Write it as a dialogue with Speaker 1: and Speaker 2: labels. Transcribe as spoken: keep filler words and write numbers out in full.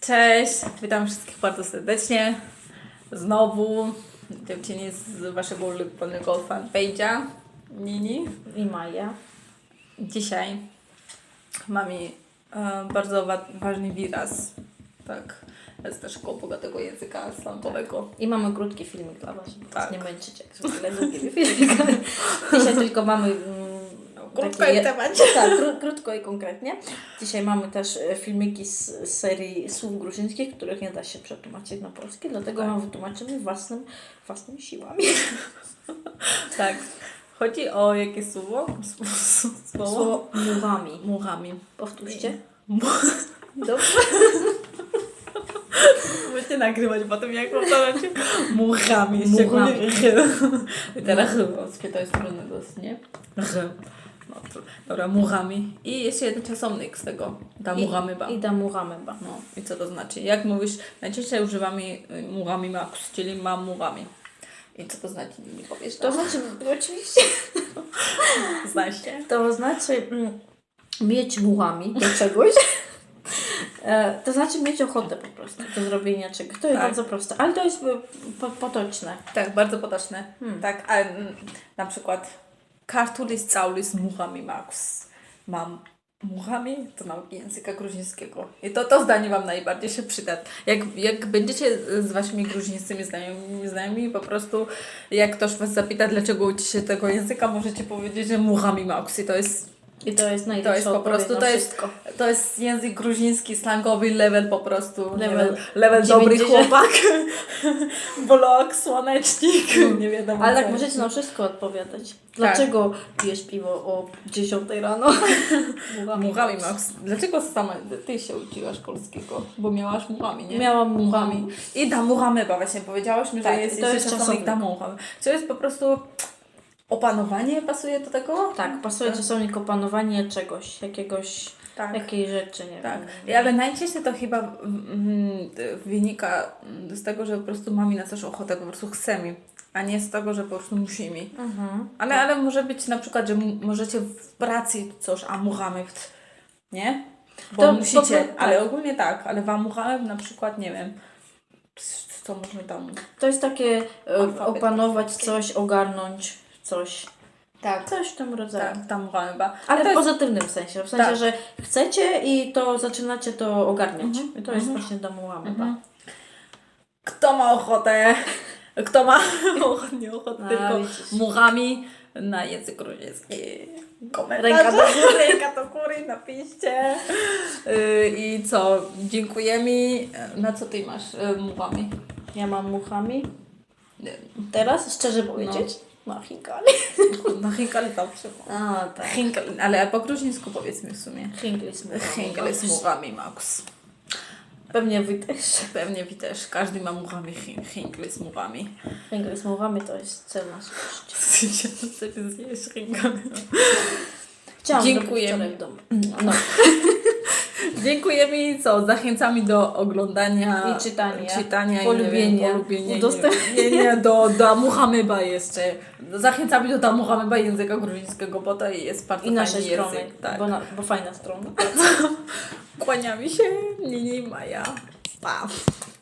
Speaker 1: Cześć, witam wszystkich bardzo serdecznie. Znowu dziewczyny z waszego ulubionego fanpage'a Nini
Speaker 2: i Maja.
Speaker 1: Dzisiaj mamy e, bardzo wa- ważny wyraz, tak, z naszego bogatego języka slangowego.
Speaker 2: I mamy krótki filmik dla Was, żeby
Speaker 1: Tak.
Speaker 2: Was nie męczyć, jak zwykle długi filmik. Dzisiaj tylko mamy mm,
Speaker 1: Krótko
Speaker 2: takie
Speaker 1: i
Speaker 2: je-
Speaker 1: w temacie.
Speaker 2: Tak, kró- krótko i konkretnie. Dzisiaj mamy też e, filmiki z, z serii słów gruzińskich, których nie da się przetłumaczyć na polski, dlatego
Speaker 1: Tak.
Speaker 2: wam wytłumaczymy własnym, własnymi siłami.
Speaker 1: Tak, chodzi o jakie słowo? Słowo?
Speaker 2: Słowo mułami.
Speaker 1: Muchami.
Speaker 2: Powtórzcie.
Speaker 1: Mu-
Speaker 2: Dobrze.
Speaker 1: Będziecie nagrywać potem, jak powtarzacie muchami.
Speaker 2: Muchami.
Speaker 1: I teraz chyba, to jest trudne dosyć, nie? No, to, dobra, muchami. I jeszcze jeden czasownik z tego. Da muchamyba.
Speaker 2: I da mułamyba.
Speaker 1: No, i co to znaczy? Jak mówisz, najczęściej używamy muchami max, czyli mam muchami. I co to znaczy? Nie powiesz
Speaker 2: To znaczy, oczywiście,
Speaker 1: Znasz się?
Speaker 2: to znaczy mm, mieć mułami do czegoś. E, to znaczy mieć ochotę po prostu do zrobienia czegoś. To jest
Speaker 1: Tak.
Speaker 2: bardzo proste, ale to jest e, po, potoczne.
Speaker 1: Tak, bardzo potoczne.
Speaker 2: Hmm.
Speaker 1: Tak, a mm, na przykład kartulis caulis muchami max. Mam muchami do nauki języka gruzińskiego. I to, to zdanie Wam najbardziej się przyda. Jak, jak będziecie z Waszymi gruzińskimi znajomymi, znajomymi, po prostu jak ktoś Was zapyta, dlaczego uczycie się tego języka, możecie powiedzieć, że muchami max. I to jest
Speaker 2: I to jest
Speaker 1: To
Speaker 2: najlepsze
Speaker 1: jest po prostu, to jest,
Speaker 2: wszystko.
Speaker 1: to jest język gruziński, slangowy level po prostu.
Speaker 2: Level
Speaker 1: Level, level dobry
Speaker 2: dziewięćdziesiąt.
Speaker 1: chłopak. Blok, słonecznik, nie wiadomo
Speaker 2: Ale
Speaker 1: co.
Speaker 2: tak możecie na wszystko odpowiadać. Dlaczego pijesz piwo o dziesiątej rano?
Speaker 1: Muchami Max. Dlaczego sama ty się uczyłaś polskiego? Bo miałaś muchami, nie?
Speaker 2: Miałam
Speaker 1: muchami.
Speaker 2: muchami.
Speaker 1: I da muchamyba, właśnie powiedziałaś mi,
Speaker 2: Tak,
Speaker 1: że jest
Speaker 2: to
Speaker 1: jeszcze
Speaker 2: jest
Speaker 1: czasownik
Speaker 2: czasownik.
Speaker 1: da muchamy. Co jest po prostu opanowanie pasuje do tego?
Speaker 2: Tak, pasuje czasownik opanowanie czegoś, jakiegoś,
Speaker 1: Tak.
Speaker 2: jakiej rzeczy, nie
Speaker 1: Tak,
Speaker 2: wiem.
Speaker 1: ale najczęściej to chyba mm, wynika z tego, że po prostu mamy na coś ochotę, po prostu chcemy, a nie z tego, że po prostu musimy.
Speaker 2: Mhm.
Speaker 1: Ale, ale może być na przykład, że m- możecie w pracy coś, a muchamy, nie? Bo
Speaker 2: To
Speaker 1: musicie,
Speaker 2: po pro-
Speaker 1: ale
Speaker 2: tak.
Speaker 1: ogólnie tak, ale wam muchamy na przykład, nie wiem, co możemy tam...
Speaker 2: To jest takie e,
Speaker 1: Alfabet
Speaker 2: opanować
Speaker 1: polski.
Speaker 2: coś, ogarnąć coś.
Speaker 1: Tak,
Speaker 2: Coś w tym rodzaju.
Speaker 1: tak, tam muchamy chyba.
Speaker 2: Ale
Speaker 1: to
Speaker 2: w
Speaker 1: jest,
Speaker 2: pozytywnym sensie, w sensie,
Speaker 1: Tak.
Speaker 2: że chcecie i to zaczynacie to ogarniać.
Speaker 1: Mhm,
Speaker 2: I to jest
Speaker 1: mhm.
Speaker 2: właśnie domułamy.
Speaker 1: Mhm. Kto ma ochotę, kto ma ochotę, nie ochotę,
Speaker 2: A,
Speaker 1: tylko
Speaker 2: widzisz.
Speaker 1: muchami na język gruziński. Komentarze.
Speaker 2: Ręka do
Speaker 1: góry. Ręka do góry, napiszcie. Yy, I co, dziękujemy. Na co ty masz yy, muchami?
Speaker 2: Ja mam muchami.
Speaker 1: Nie,
Speaker 2: Teraz, szczerze powiedzieć, na Hinkali.
Speaker 1: No Hinkal dobrze.
Speaker 2: A, tak.
Speaker 1: Hinkal, ale po gruzińsku powiedzmy w sumie.
Speaker 2: Hinkali z muchami.
Speaker 1: Hinkal z muchami, Max.
Speaker 2: Pewnie wy też.
Speaker 1: Pewnie wy też. Każdy ma muchami, Hinkal z muchami.
Speaker 2: Hinkali z muchami to jest cel na życie.
Speaker 1: Chcecie zjeść Hinkal.
Speaker 2: Chciałam
Speaker 1: Dziękujemy.
Speaker 2: zrobić wczoraj w domu.
Speaker 1: No. Dziękujemy i co? Zachęcamy do oglądania
Speaker 2: I czytania.
Speaker 1: czytania
Speaker 2: Polubienia.
Speaker 1: i nie wiem, polubienia.
Speaker 2: Udostępnienia.
Speaker 1: Nie, nie, do, do Muhamyba jeszcze. Zachęcamy do Muhamyba języka gruzińskiego, bo to jest bardzo
Speaker 2: I nasze
Speaker 1: fajny
Speaker 2: strony,
Speaker 1: język. Tak.
Speaker 2: bo, na, bo fajna strona.
Speaker 1: Kłaniamy się, Nini i Maja. Pa!